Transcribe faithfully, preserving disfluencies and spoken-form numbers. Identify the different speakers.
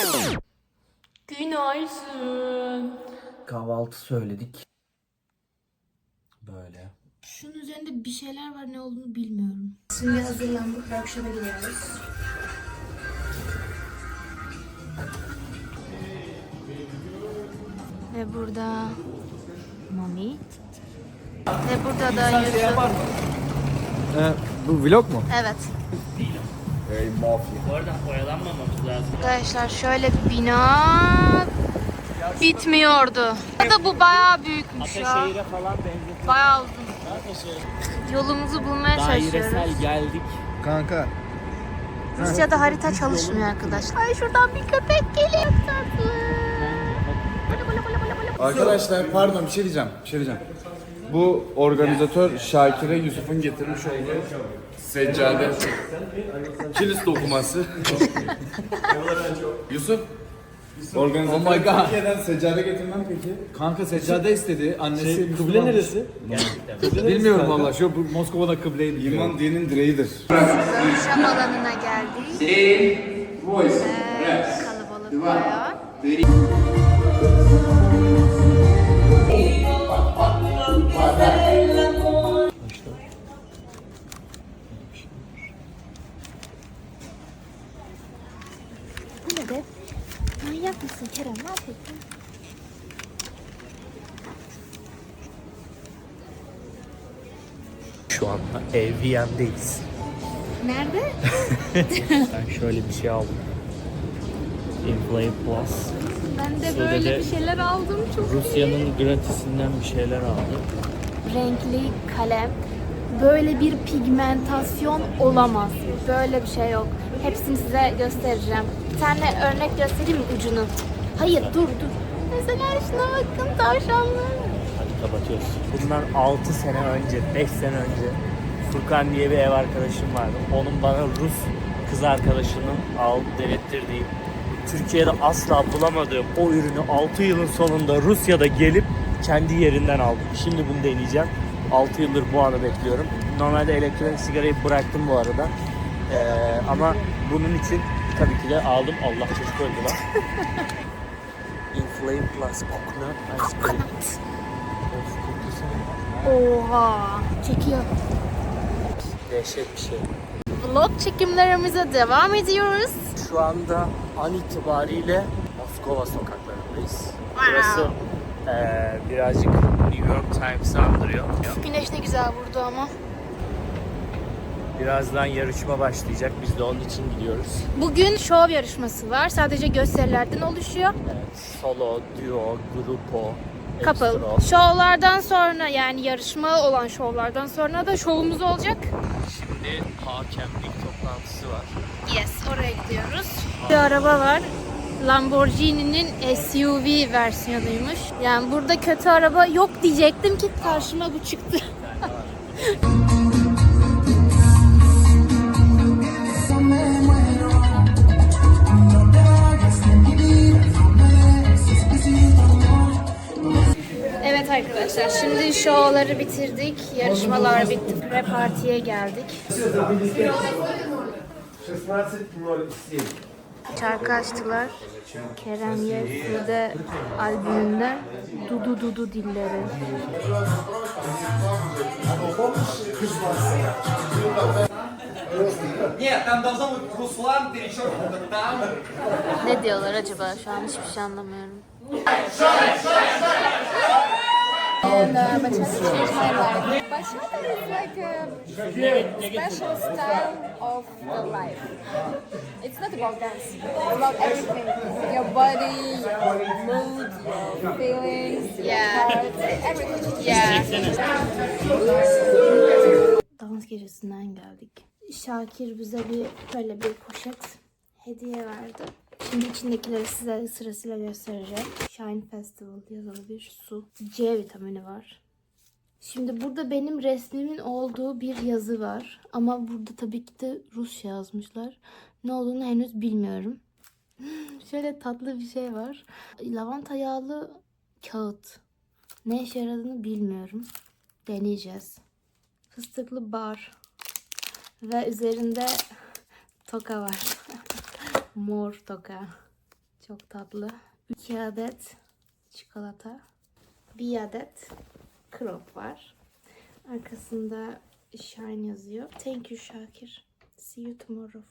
Speaker 1: Günaydın.
Speaker 2: Kahvaltı söyledik. Böyle.
Speaker 1: Şunun üzerinde bir şeyler var, ne olduğunu bilmiyorum. Şimdi hazırlandık, workshop'a gidiyoruz. Ve burada Mami. Ve burada da Yusuf.
Speaker 2: Ee, bu vlog mu?
Speaker 1: Evet.
Speaker 2: Hey mafya.
Speaker 3: Bu arada oyalanmamamız lazım.
Speaker 1: Arkadaşlar şöyle bir bina bitmiyordu. Da bu bayağı büyükmüş ya.
Speaker 3: Ataşehir'e falan benzetiyor.
Speaker 1: Bayağı uzun.
Speaker 3: Ataşehir.
Speaker 1: Yolumuzu bulmaya çalışıyoruz.
Speaker 3: Dairesel geldik.
Speaker 2: Kanka.
Speaker 1: Rusya'da harita çalışmıyor arkadaşlar. Ay şuradan bir köpek geliyor. Tatlı.
Speaker 4: Arkadaşlar pardon bir şey diyeceğim. Bir şey diyeceğim. Bu organizatör Şakir'e Yusuf'un getirmiş olduğu seccade kilis dokuması. Yusuf. Organizatör
Speaker 2: Oh my God.
Speaker 4: Türkiye'den seccade getirmem peki.
Speaker 2: Kanka seccade istedi. Annesi
Speaker 3: Şey, kıble neresi? Gerçekten.
Speaker 2: Bilmiyorum valla. Şu bu Moskova'da kıbleyi biliyorum.
Speaker 4: İman dinin direğidir.
Speaker 1: Workshop alanına geldik. Ee, kalabalık bayağı. Bu ne be? Manyak mısın Kerem? Ne yapıyorsun?
Speaker 3: Şu anda E V M'deyiz.
Speaker 1: Nerede?
Speaker 3: Ben şöyle bir şey aldım. Inflame Plus.
Speaker 1: Ben de
Speaker 3: Şöyle
Speaker 1: böyle
Speaker 3: de
Speaker 1: bir şeyler aldım. Çok
Speaker 3: Rusya'nın gratisinden bir şeyler aldım.
Speaker 1: renkli kalem. Böyle bir pigmentasyon olamaz. Böyle bir şey yok. Hepsini size göstereceğim. Bir tane örnek göstereyim mi ucunu? Hayır dur dur. Mesela şuna bakın tavşanlar.
Speaker 3: Hadi kapatıyoruz. Bundan altı sene önce, beş sene önce Furkan diye bir ev arkadaşım vardı. Onun bana Rus kız arkadaşının al denettirdiği, Türkiye'de asla bulamadığım o ürünü altı yılın sonunda Rusya'da gelip kendi yerinden aldım. Şimdi bunu deneyeceğim. altı yıldır bu anı bekliyorum. Normalde elektronik sigarayı bıraktım bu arada. Ee, ama bunun için tabii ki de aldım. Allah çocuk öldü lan. Inflame Plus Coconut Ice Cream. Of, kokusu.
Speaker 1: Oha. Çekiyor.
Speaker 3: Dehşet bir şey.
Speaker 1: Vlog çekimlerimize devam ediyoruz.
Speaker 3: Şu anda an itibariyle Moskova sokaklarındayız. Burası eee, birazcık New York Times'ı andırıyor.
Speaker 1: Güneş ne güzel vurdu ama.
Speaker 3: Birazdan yarışma başlayacak. Biz de onun için gidiyoruz.
Speaker 1: Bugün şov yarışması var. Sadece gösterilerden oluşuyor.
Speaker 3: Evet, solo, duo, grupo,
Speaker 1: Couple.
Speaker 3: ekstro.
Speaker 1: Şovlardan sonra, yani yarışma olan şovlardan sonra da şovumuz olacak.
Speaker 3: Şimdi hakemlik toplantısı var.
Speaker 1: Yes, oraya gidiyoruz. Bir araba var. Lamborghini'nin S U V versiyonuymuş. Yani burada kötü araba yok diyecektim ki karşıma bu çıktı. Evet arkadaşlar, şimdi şovları bitirdik, yarışmalar bitti, pre-partiye geldik. Şarkı açtılar. Kerem Yevsu'de albümünden Dudu Dudu Dilleri. Ne diyorlar acaba? Şu an hiçbir şey anlamıyorum. And uh, bachata changed my life. Bachata is like a special style of the life. It's not about dance. It's about everything. Your body, your mood, your feelings, yeah. Your heart, everything. Yeah. Dans gecesinden geldik. Şakir bize bir böyle bir poşet hediye verdi. Şimdi içindekileri size sırasıyla göstereceğim. Shine Festival yazılı bir su. C vitamini var. Şimdi burada benim resmimin olduğu bir yazı var. Ama burada tabii ki de Rusça yazmışlar. Ne olduğunu henüz bilmiyorum. Şöyle tatlı bir şey var. Lavanta yağlı kağıt. Ne işe yaradığını bilmiyorum. Deneyeceğiz. Fıstıklı bar. Ve üzerinde toka var. Mor toka. Çok tatlı. iki adet çikolata. Bir adet krop var. Arkasında Shine yazıyor. Thank you Şakir. See you tomorrow.